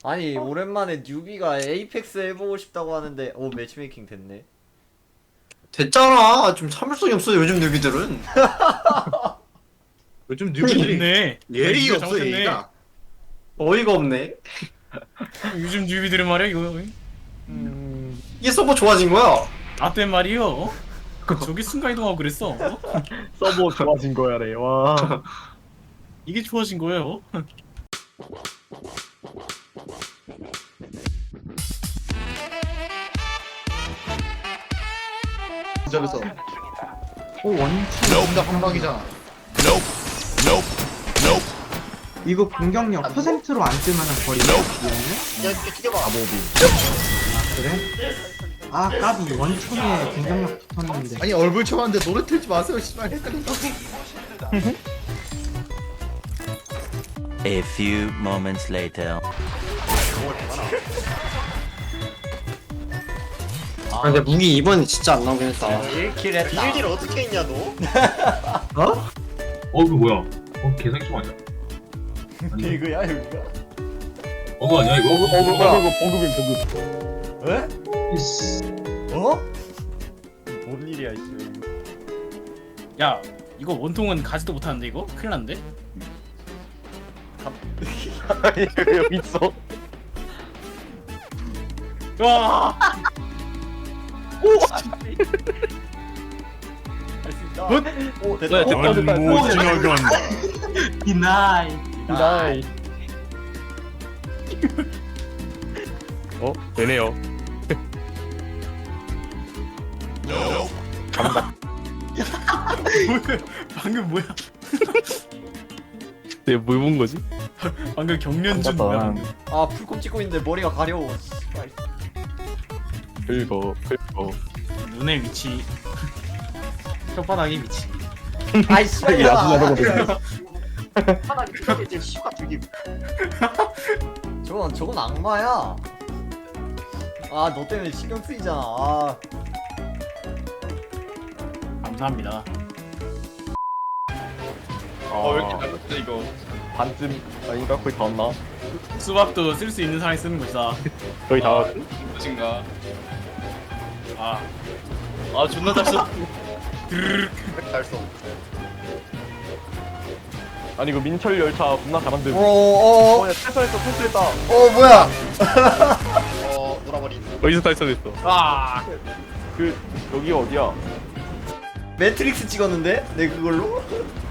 아니 오랜만에 뉴비가 에이펙스 해보고 싶다고 하는데 오 매치메이킹 됐네. 됐잖아. 좀 참을성이 없어 요즘 뉴비들은. 요즘 뉴비들이 있네. 예의가 없어 잘못했네. 예의가. 어이가 없네. 요즘 뉴비들은 말이야 이거 이게 서버 좋아진 거야. 나땐 말이요. 저기 순간 이동하고 그랬어. 서버 좋아진 거야래. 와. 이게 좋아진 거예요. 저기서 오 원치. 정답 한 방이잖아. 이거 공격력 퍼센트로 안 뜨면은 버리네. 야 튀겨봐. 그래? 아 까비 원총에 공격력 붙었는데. 아니 얼굴 쳐봤는데 노래 틀지 마세요. 씨발 헷갈린다. A few moments later. 아 근데 무기 이번에 진짜 안 나오긴 했다. 1킬 했다. 비밀을 어떻게 했냐 너? 어? 이거 뭐야? 개사기 좀 아니야? 비그야 여기가? 버그 아니야 이거? 에? 어? 뭔 일이야 이씨. 야 이거 원통은 가지도 못하는데 이거 큰일 났는데. 여기 있어. 와. 할수 있다. 오 됐다. 디나이. 디나이. 되네요. 방금 뭐야? 내가 뭘 본 거지? 방금 경련준 뭐야? 방금. 아 풀콤 찍고 있는데 머리가 가려워. 씨발. 긁어. 눈의 위치. 혓바닥의 위치. 아이 씨발. 하나 이렇게 이제 시가 되게. 저건 악마야. 아 너 때문에 신경 쓰이잖아. 아. 감사합니다. 왜 이렇게 잘못해 이거? 반쯤 아닌가? 거의 다 왔나? 수박도 쓸 수 있는 사람이 쓰는 것이다. 거의 다 왔. 무엇인가? 아 존나 잘 써. 잘 써. 아니 이거 민철 열차 겁나 잘 만들고. 어어어. 야 탈선했다. 어 뭐야? 놀아버린. 어디서 탈선했어? 아. 그 여기 어디야? 매트릭스 찍었는데? 내 그걸로?